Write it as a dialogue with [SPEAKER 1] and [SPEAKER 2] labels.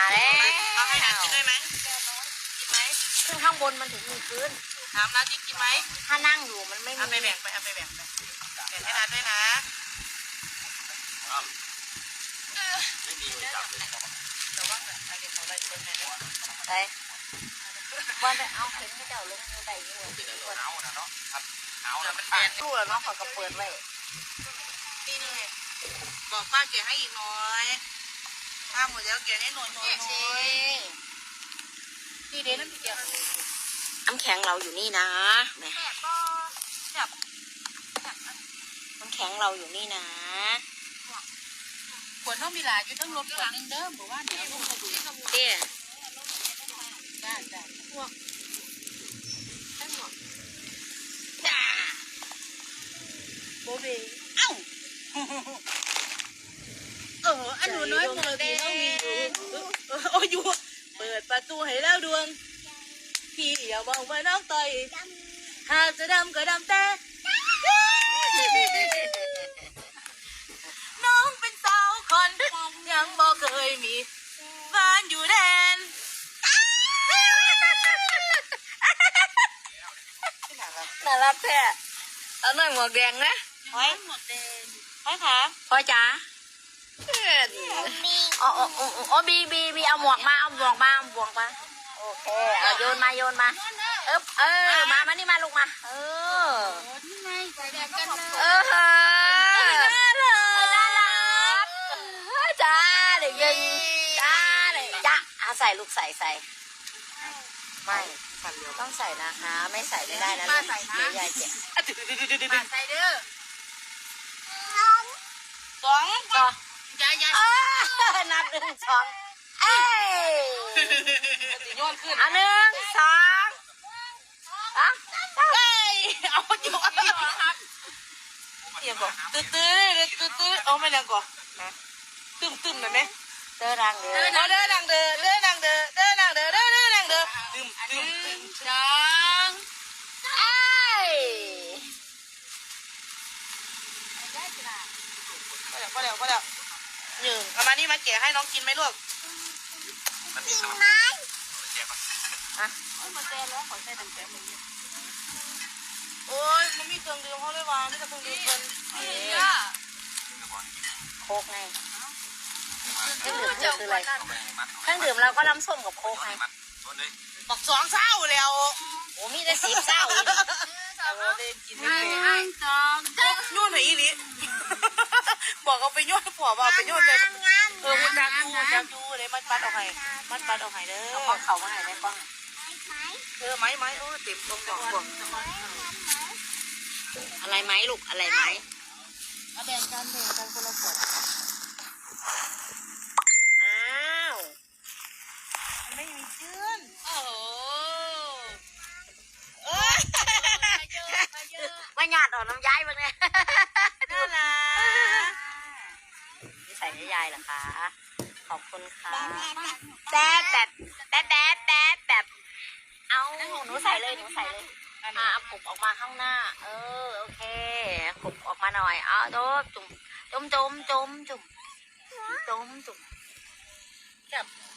[SPEAKER 1] แล้ว
[SPEAKER 2] เอาให้นัดกินด้วยไหมกินไหม
[SPEAKER 1] ขึ้นข้างบนมันถึงมีพื้น
[SPEAKER 2] ถามนัดที่กินไหม
[SPEAKER 1] ถ้านั่งอยู่มันไม่มี
[SPEAKER 2] เอาไปแบ่งไปเอาไปแบ่งไปแบ่งให้นัดด้วยนะไม่มีเลยจับเลยแต่ว่าอะไรของอะไรคนไหนเนี่ย
[SPEAKER 1] ไปวันไปเอาเข็มให้เจ้าลงมือใดอยู่
[SPEAKER 3] เอานะเนาะครับเอา
[SPEAKER 2] เดี๋
[SPEAKER 3] แล้
[SPEAKER 2] ยว ว
[SPEAKER 3] มั
[SPEAKER 2] มัน น
[SPEAKER 3] แบ
[SPEAKER 2] แบ
[SPEAKER 3] น
[SPEAKER 2] น
[SPEAKER 1] รู้แล้วเนาะเขาก็เปิดไว้
[SPEAKER 2] นี่เลยบอกป้าเกลี่ยให้อีกน้อยป้าหมดแล้วเกลี่ยให้หน่อยนี่เด่นน้ำเกลี่ย
[SPEAKER 1] น้ำแข็งเราอยู่นี่นะแม่
[SPEAKER 2] แสบบ่แสบ
[SPEAKER 1] น้ำแข็งเราอยู่นี่นะ
[SPEAKER 2] ขวดน้องมีหลายอยู่ทั้งรถขวดนึงเด้อบอกว่าเดี๋ยวลูกจะดู
[SPEAKER 1] เตี้ย
[SPEAKER 2] ได้พวก
[SPEAKER 1] จ้า
[SPEAKER 2] โบเบเอ้าอันหนูน้อยปกติต้องมีอยู่เปิดประตูให้แล้วดวงพี่อย่าบอกว่าน้องต่อยหากจะดำก็ดำแต่น้องเป็นสาวคนยังบอกเคยมีบ้านอยู่แดน
[SPEAKER 1] น่ารักแท้เอาหน่อยหมวกแดงนะ
[SPEAKER 2] ไว้หมดแดงไว้ขา
[SPEAKER 1] พ่อจ๋าอ๋อบีเอาหมวกมาเอาหมวกมาโอเคเอาโยนมามานี่มาลูกมา
[SPEAKER 2] นี่ไงใส่แดงกันเลย
[SPEAKER 1] น่ารักจ้าเด็กยิงจ้าเลยจ้าใส่ลูกใส่ไม่ต้องใส่นะคะไม่ใส่ไม่ได้นะลูกเดี๋ยวยายเจ็บ
[SPEAKER 2] มาใส่เด้อสอง
[SPEAKER 1] ก็
[SPEAKER 2] ยาย
[SPEAKER 1] นับ1 2เอ้ย
[SPEAKER 2] โยนขึ้น
[SPEAKER 1] 1 2
[SPEAKER 2] เอ้ยเอาโยนอย่าบอกตื้อเอาไม่ดังก่อนตึมหน่อยไหม
[SPEAKER 1] เจอรังเด้อ
[SPEAKER 2] เด้อดังเด้อดังเด้อตึมสอง
[SPEAKER 1] เอ้ย
[SPEAKER 2] พอแล้วหนึ่งเอามานี่มาแกะให้น้องกินไหมลูก
[SPEAKER 3] มันมีสมัครเจ็บอ่ะ
[SPEAKER 2] มาแกะแล้วขอใส่ตั้งแต่มือโอ้ยมันมีเครื่องดื่มเขาเลยวางนี่ก็เครื่องดื่มคน
[SPEAKER 1] โคกไงเครื่องดื่มคืออะไร
[SPEAKER 3] เอาไปมัด
[SPEAKER 1] เครื่องดื่มเราก็น้ำส้มกับโคกไง
[SPEAKER 3] มัดโดนเลย
[SPEAKER 2] บอก2 เศร้าแล้ว
[SPEAKER 1] โอ้มีได้10 เศร้าอีก
[SPEAKER 2] เอาเลยกินไม่เป็นนู่นไหนอีลิบอกเอาไปโยนผัวบอกเอาไปโยนเลยมันจักยูเลยมันปัดเอาให้เด้อ
[SPEAKER 1] เอาของเขามาให้ได้ป้อง
[SPEAKER 2] ไม้เต็มตรงบอก
[SPEAKER 1] อะไรไหมลูกอะไรไหม
[SPEAKER 2] แบ่งกันคนละขวด
[SPEAKER 1] อ้าว
[SPEAKER 2] ไม่มีเจือนโอ้โห
[SPEAKER 1] ไม่หยาดออกน้ำย้ายบ้างเนี่ย
[SPEAKER 2] น่ารัก
[SPEAKER 1] นี่ใส่ให้ยายเหรอคะขอบคุณค่ะแบบเอาหนูใส่เลยเอาปุบออกมาข้างหน้าโอเคปุบออกมาหน่อยเอาจุ่ม